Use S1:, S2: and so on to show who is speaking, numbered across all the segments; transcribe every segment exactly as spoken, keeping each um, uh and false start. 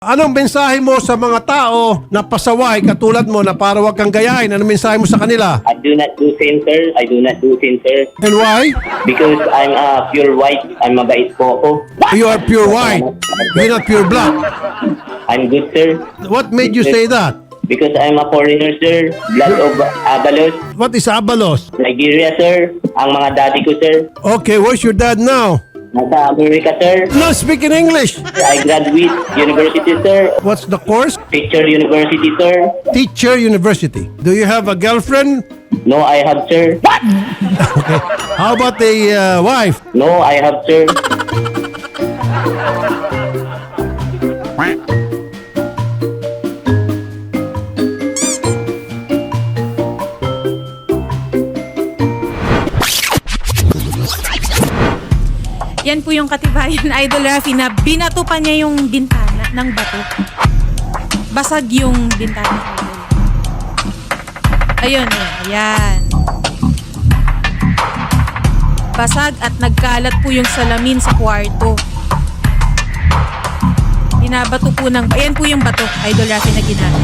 S1: Anong mensahe mo sa mga tao na pasaway katulad mo na para wag kang gayahin? Anong mensahe mo sa kanila?
S2: I do not do sin, sir. I do not do sin, sir.
S1: And why?
S2: Because I'm a pure white. I'm mabait po ako.
S1: You are pure white. You're not pure black.
S2: I'm good, sir.
S1: What made you say that?
S2: Because I'm a foreigner, sir. Blood of Abalos.
S1: What is Abalos?
S2: Nigeria, sir. Ang mga daddy ko, sir.
S1: Okay, where's your dad now?
S2: Nasa Amerika, sir.
S1: No, speak in English.
S2: I graduate university, sir.
S1: What's the course?
S2: Picture university, sir.
S1: Teacher University. Do you have a girlfriend?
S2: No, I have, sir.
S1: Okay. How about a uh, wife?
S2: No, I have, sir.
S3: Yan po yung katibayan, Idol Rafi, na binato pa niya yung bintana ng bato. Basag yung bintana, Idol. Ayun, ayan, ayan. Basag at nagkalat po yung salamin sa kwarto. Binabato po ng... Ayan po yung bato, Idol Rafi, na ginamit.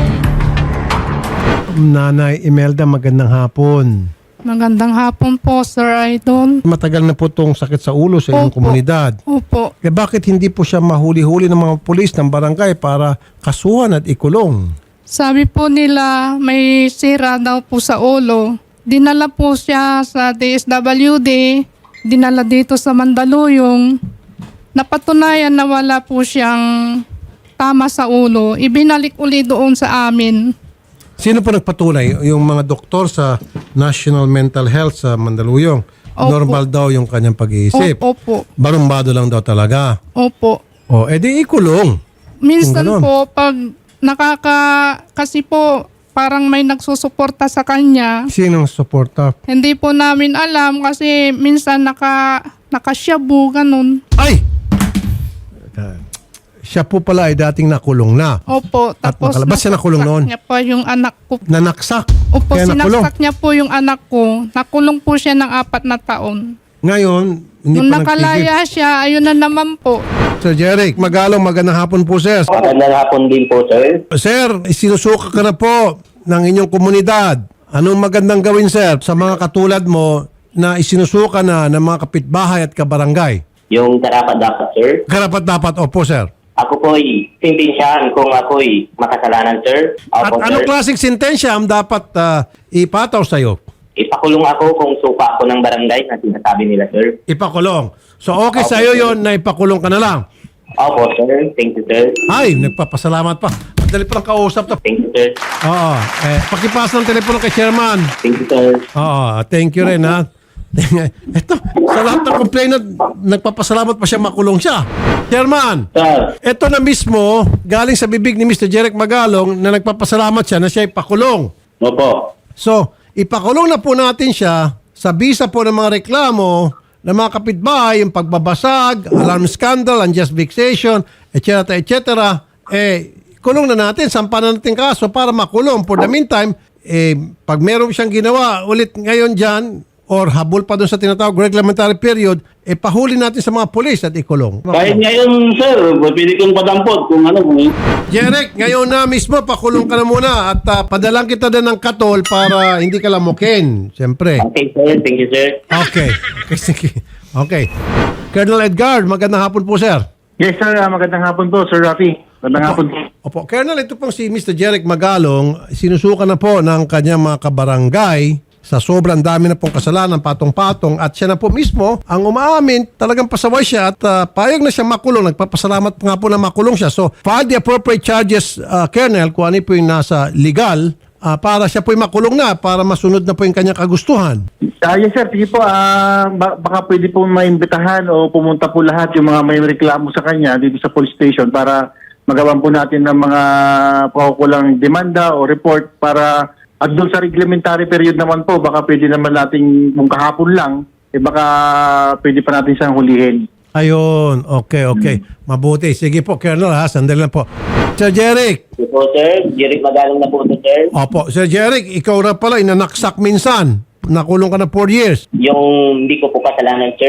S1: Nanay Imelda, magandang hapon.
S4: Magandang hapon po, Sir Idol.
S1: Matagal na po itong sakit sa ulo sa inyong
S4: Opo.
S1: komunidad.
S4: Opo.
S1: Eh bakit hindi po siya mahuli-huli ng mga pulis ng barangay para kasuhan at ikulong?
S4: Sabi po nila may sira daw po sa ulo. Dinala po siya sa D S W D, dinala dito sa Mandaluyong. Napatunayan na wala po siyang tama sa ulo. Ibinalik uli doon sa amin.
S1: Sino po nagpatunay? Yung mga doktor sa National Mental Health sa Mandaluyong.
S4: Opo.
S1: Normal daw yung kanyang pag-iisip.
S4: Opo.
S1: Barumbado lang daw talaga.
S4: Opo.
S1: O, edi ikulong.
S4: Minsan
S1: Kung ganon.
S4: po, pag nakaka... Kasi po, parang may nagsusuporta sa kanya.
S1: Sinong suporta?
S4: Hindi po namin alam kasi minsan naka, nakasyabu, ganun.
S1: Ay! Siya po pala ay dating nakulong na.
S4: Opo,
S1: At
S4: tapos
S1: nakalabas siya nakulong
S4: nasaksak
S1: noon?
S4: niya po yung anak ko.
S1: Nanaksak.
S4: Opo,
S1: Kaya nakulong.
S4: sinaksak niya po yung anak ko. Nakulong po siya ng apat na taon.
S1: Ngayon, hindi
S4: Nung
S1: pa nagtigil.
S4: nakalaya siya, ayun na naman po.
S1: Sir Jeric, Magalong, magandang hapon po, sir.
S2: Magandang hapon din po, sir.
S1: Sir, sinusuka ka na po ng inyong komunidad. Anong magandang gawin, sir, sa mga katulad mo na isinusuka na ng mga kapitbahay at kabarangay?
S2: Yung karapat-dapat, sir.
S1: Karapat dapat, opo, sir.
S2: Ako po'y simbinsihan kung ako'y makasalanan, sir.
S1: At
S2: Opo,
S1: anong
S2: sir.
S1: klaseng sentensya ang dapat ah, ipataw sa'yo?
S2: Ipakulong ako kung supa ako ng barangay na sinasabi nila, sir.
S1: Ipakulong. So okay
S2: Opo,
S1: sa'yo
S2: sir.
S1: yon na ipakulong ka na lang.
S2: Opo, sir. Thank you, sir.
S1: Ay, nagpapasalamat pa. Madali pa lang kausap to.
S2: Thank you, sir.
S1: Oo. Eh, pakipasa ng telepono kay chairman.
S2: Thank you, sir.
S1: Oo. Thank you rin, ha. Ito, sa lahat ng complainant, nagpapasalamat pa siya makulong siya. Chairman,
S2: Sir,
S1: ito na mismo, galing sa bibig ni Mister Jeric Magalong na nagpapasalamat siya na siya ipakulong.
S2: opo.
S1: So, ipakulong na po natin siya sa bisa po ng mga reklamo ng mga kapitbahay, yung pagbabasag, alarm scandal, unjust vexation, et cetera, et cetera. Eh, kulong na natin, sampanan natin kaso para makulong. For the meantime, eh, pag meron siyang ginawa ulit ngayon dyan, or habol pa doon sa tinatawag reglementary period, eh pahuli natin sa mga polis at ikulong.
S5: Kahit ngayon, sir, pwede kong padampot kung ano. Kung...
S1: Jeric, ngayon na mismo, pakulong ka na muna at uh, padalang kita din ng katol para hindi ka lamukin. Siyempre.
S2: Okay, sir. Thank you, sir.
S1: Okay. Okay, sige. Okay. Colonel Edgar, magandang hapon po, sir.
S5: Yes, sir. ah, Magandang hapon po, Sir Rafi. Magandang hapon po.
S1: Opo. Colonel, ito pong si Mister Jeric Magalong, sinusukan na po ng kanyang mga kabarangay sa sobrang dami na pong kasalanan, patong-patong, at siya na po mismo ang umaamin, talagang pasaway siya at uh, payag na siya makulong. Nagpapasalamat pa nga po na makulong siya. So, file the appropriate charges, uh, Colonel, kung ano po yung nasa legal, uh, para siya po yung makulong na, para masunod na po yung kanyang kagustuhan.
S5: Ah, yes, sir. Sige po. ah, ba- baka pwede po maimbitahan o pumunta po lahat yung mga may reklamo sa kanya dito sa police station para magawan po natin ng mga pakukulang demanda o report para at doon sa reglementary period naman po, baka pwede naman nating kung kahapon lang, eh baka pwede pa natin siyang hulihin.
S1: Ayun. Okay, okay. Mabuti. Sige po, Colonel, ha? Sandali lang po. Sir Jeric.
S2: Opo, sir. Jeric Magalang na po ito, sir.
S1: Opo. Sir Jeric, ikaw na pala, inanaksak minsan. Nakulong ka na four years.
S2: Yung hindi ko po kasalanan, sir.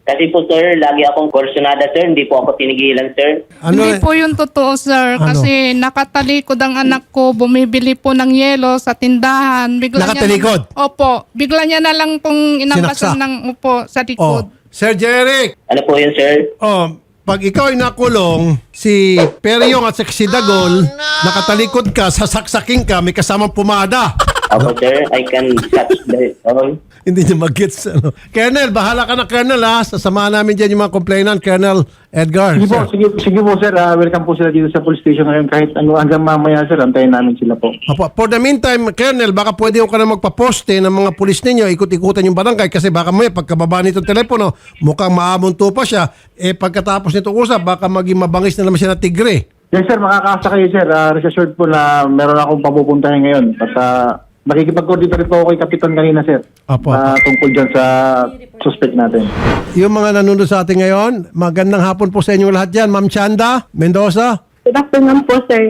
S2: Kasi po sir, lagi akong kursunada sir, hindi po ako tinigilan sir.
S1: Ano,
S4: Hindi po yung totoo, sir.
S1: Ano?
S4: Kasi nakatalikod ang anak ko, bumibili po ng yelo sa tindahan. Bigla
S1: Nakatalikod?
S4: Niya, opo. Bigla niya na lang pong
S1: Sinaksak?
S4: inampasan ng upo sa
S1: oh,
S4: likod.
S1: Sir Jeric,
S2: Ano po yun sir?
S1: oh, pag ikaw ay nakulong, si Peryong at si Dagol, nakatalikod ka, sasaksaking ka, may kasamang pumada.
S2: Opo sir, I can catch the all.
S1: Hindi niya mag-gets. Ano. Colonel, bahala ka na, Colonel, ha? Sasamahan namin dyan yung mga complainant, Colonel Edgar.
S5: Sige po,
S1: Sir.
S5: sige, sige po sir. Ah, welcome po sila dito sa police station ngayon. Kahit ano, hanggang mamaya sir, antayin namin sila po.
S1: Apo, for the meantime, Colonel, baka pwede ko ka na magpaposte ng mga pulis ninyo, ikot-ikutan yung barangay kasi baka may pagkababa nitong telepono, mukhang maamunto pa siya. Eh, pagkatapos nito usap, baka maging mabangis na naman siya na tigre.
S5: Yes sir, makakasa kayo sir. Uh, rest assured po na meron akong papupuntahin ngayon. At uh, makikipag-coordinate rin po ako kay Kapitan kanina sir.
S1: Apo.
S5: Ah, tungkol dyan sa suspect natin.
S1: Yung mga nanonood sa atin ngayon, magandang hapon po sa inyong lahat dyan. Ma'am Chanda Mendoza.
S6: Good afternoon po, sir.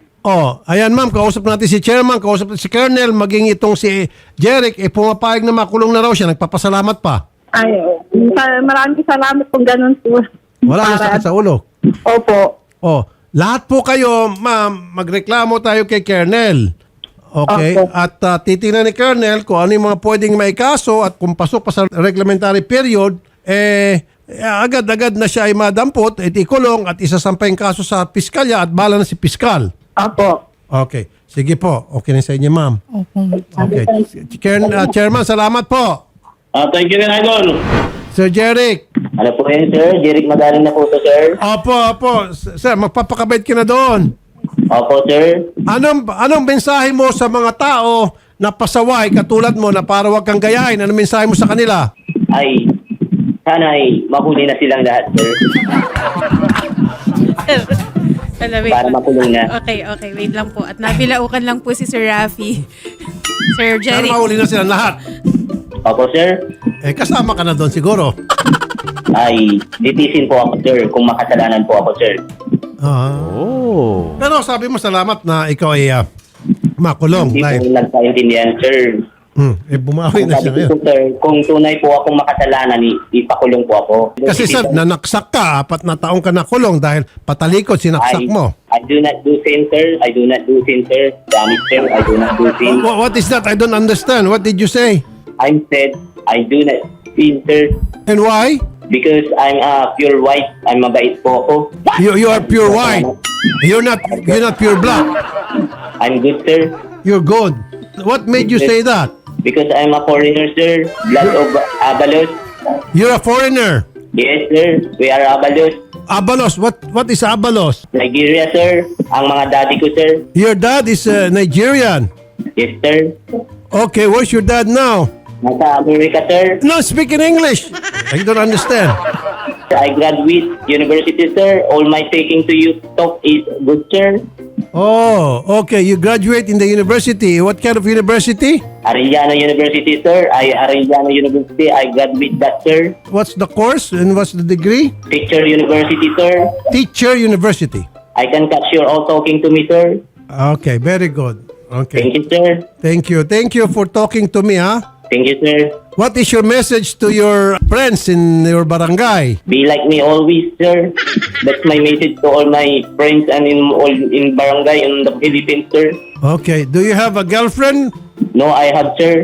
S1: Oh, ayan ma'am, kausap natin si Chairman, kausap natin si Colonel, maging itong si Jeric, eh pumapayag na makulong na raw siya, nagpapasalamat pa.
S6: Ay, sa- maraming salamat po ganun po.
S1: Wala nang
S6: Para-
S1: sakit sa ulo.
S6: Opo.
S1: Oh, lahat po kayo, ma'am, magreklamo tayo kay Colonel. Okay?
S6: Opo.
S1: At uh, titingnan ni Colonel kung ano yung mga pwedeng maikaso at kung pasok pa sa reglementary period, eh, eh, agad-agad na siya ay madampot, at ikulong at isasampay ang kaso sa piskalya at bala na si piskal.
S6: Opo.
S1: Okay. Sige po. Okay na sa inyo, ma'am.
S4: Opo.
S1: Okay. Chair- uh, Chairman, salamat po.
S2: Ah, thank you rin, Idol.
S1: Sir Jeric.
S2: Ano po yun sir? Jeric magaling na po to sir.
S1: Opo, opo. S- Sir, magpapakabait ka na doon.
S2: Opo sir.
S1: Anong anong mensahe mo sa mga tao na pasaway katulad mo na para wag kang gayahin? Anong mensahe mo sa kanila?
S2: Ay, sana ay mahuli na silang lahat sir.
S3: Hello, wait
S2: Para
S3: lang.
S2: makulong na.
S3: Okay, okay. Wait lang po. At nabilaukan lang po si Sir Rafi. Sir
S1: Sana
S3: Jerry.
S1: mahuli na sila lahat.
S2: Opo sir.
S1: Eh, kasama ka na doon siguro.
S2: Ay, litisin po ako sir kung makasalanan po ako sir.
S1: Ah. Pero sabi mo salamat na ikaw ay ah, makulong.
S2: Hindi po
S1: Like,
S2: nagkaintindihan sir.
S1: hmm, eh, bumawi
S2: Kung
S1: na siya
S2: sabi ko
S1: ngayon.
S2: po sir, kung tunay po akong makasalanan, i- ipakulong po ako.
S1: Kasi sir, nanaksak ka, apat na taong ka nakulong dahil patalikod, sinaksak
S2: I,
S1: mo.
S2: I do not do sin sir. I do not do sin sir. Damn it sir, I do not do sin.
S1: Wha- What is that? I don't understand. What did you say?
S2: I said, I do not sin sir.
S1: And why?
S2: Because I'm a pure white. I'm mabait po ako.
S1: You, you are pure white. You're not, you're not pure black.
S2: I'm good sir.
S1: You're good. What made you say that?
S2: Because I'm a foreigner sir. Blood of Abalos.
S1: You're a foreigner.
S2: Yes sir, we are Abalos.
S1: Abalos. What what is Abalos?
S2: Nigeria sir. Ang mga daddy ko sir.
S1: Your dad is uh, Nigerian.
S2: Yes sir.
S1: Okay, where's your dad now?
S2: Nasa Amerika sir.
S1: No, speak in English. I don't understand.
S2: I graduate university sir. All my taking to you talk is good sir.
S1: Oh, okay. You graduate in the university. What kind of university?
S2: Arellano University sir. I Arellano University. I graduate that sir.
S1: What's the course and what's the degree?
S2: Teacher University sir.
S1: Teacher University.
S2: I can catch you all talking to me sir.
S1: Okay, very good.
S2: Thank
S1: Okay.
S2: you sir.
S1: Thank you. Thank you for talking to me, huh?
S2: Thank you sir.
S1: What is your message to your friends in your barangay?
S2: Be like me always, sir. That's my message to all my friends and in all in barangay in the Philippines, sir.
S1: Okay. Do you have a girlfriend?
S2: No, I have, sir.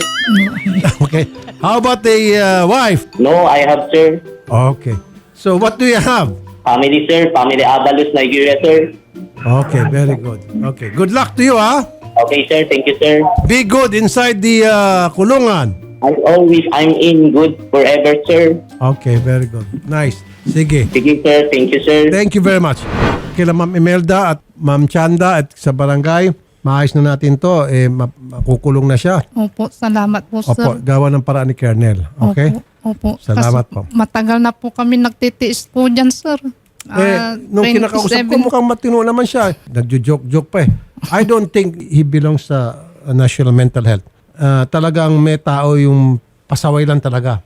S1: Okay. How about a uh, wife?
S2: No, I have, sir.
S1: Okay. So what do you have?
S2: Family, sir. Family Abalos, Nigeria, sir.
S1: Okay, very good. Okay. Good luck to you, huh?
S2: Okay, sir. Thank you, sir.
S1: Be good inside the uh, kulungan.
S2: As always, I'm in good forever, sir.
S1: Okay, very good. Nice. Sige.
S2: Sige, sir. Thank you, sir.
S1: Thank you very much. Kila Ma'am Imelda at Ma'am Chanda at sa barangay, maayos na natin to. Eh, ma- makukulong na siya.
S4: Opo, salamat po, sir.
S1: Opo, gawa ng paraan ni Colonel. Okay?
S4: Opo, opo.
S1: Salamat
S4: Kasi
S1: po.
S4: Matagal na po kami nagtitiis po dyan, sir.
S1: Eh,
S4: Ah,
S1: nung kinakausap ko,
S4: twenty-seven
S1: mukhang matino naman siya. Nagjo-joke-joke pa eh. I don't think he belongs sa uh, National Mental Health. Ah, talagang may tao yung pasaway lang talaga.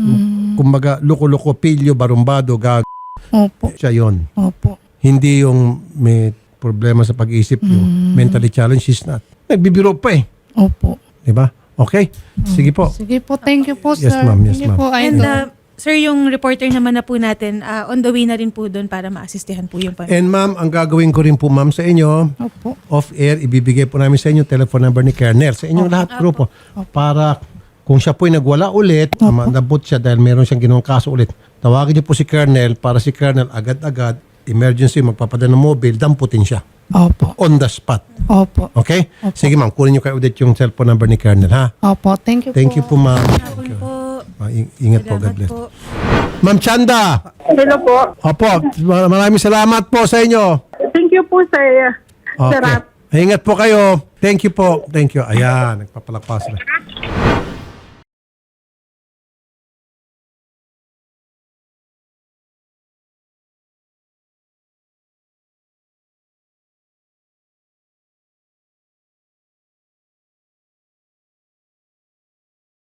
S1: Kumbaga, luko-luko, pilyo, barumbado, gag...
S4: Opo,
S1: Siya yun.
S4: opo.
S1: Hindi yung may problema sa pag-iisip, yung mentally challenged, she's not. Nagbibiro pa eh.
S4: Opo.
S1: Diba? Okay? Sige po.
S4: Sige po, thank you po,
S1: Yes,
S4: sir.
S1: ma'am. Yes,
S4: Sige
S1: ma'am.
S4: po,
S3: And
S4: idol.
S3: uh, Sir, yung reporter naman na po natin, ah, on the way na rin po doon para maasistihan po yung pamilya.
S1: And ma'am, ang gagawin ko rin po ma'am sa inyo,
S4: Opo.
S1: off-air, ibibigay po namin sa inyo telephone number ni Colonel. Sa inyong lahat grupo. Para kung siya po'y nagwala ulit, mandabot siya dahil meron siyang ginawang kaso ulit, tawagin niyo po si Colonel para si Colonel agad-agad, emergency, magpapadala ng mobile, damputin siya.
S4: Opo.
S1: On the spot.
S4: Opo.
S1: Okay? Sige ma'am, kunin niyo kay Odette yung cellphone number ni Colonel ha.
S4: Opo. Thank you
S1: Thank you po ma'am.
S3: Hapon po.
S1: Ah, ing- ingat po, God
S3: Salamat
S1: bless.
S3: po.
S1: Ma'am Chanda.
S6: Hello po.
S1: Opo, mar- maraming salamat po sa inyo.
S6: Thank you po, sir.
S1: Okay.
S6: Sarap.
S1: Ingat po kayo. Thank you po. Thank you. Ayan, nagpapalakpas na.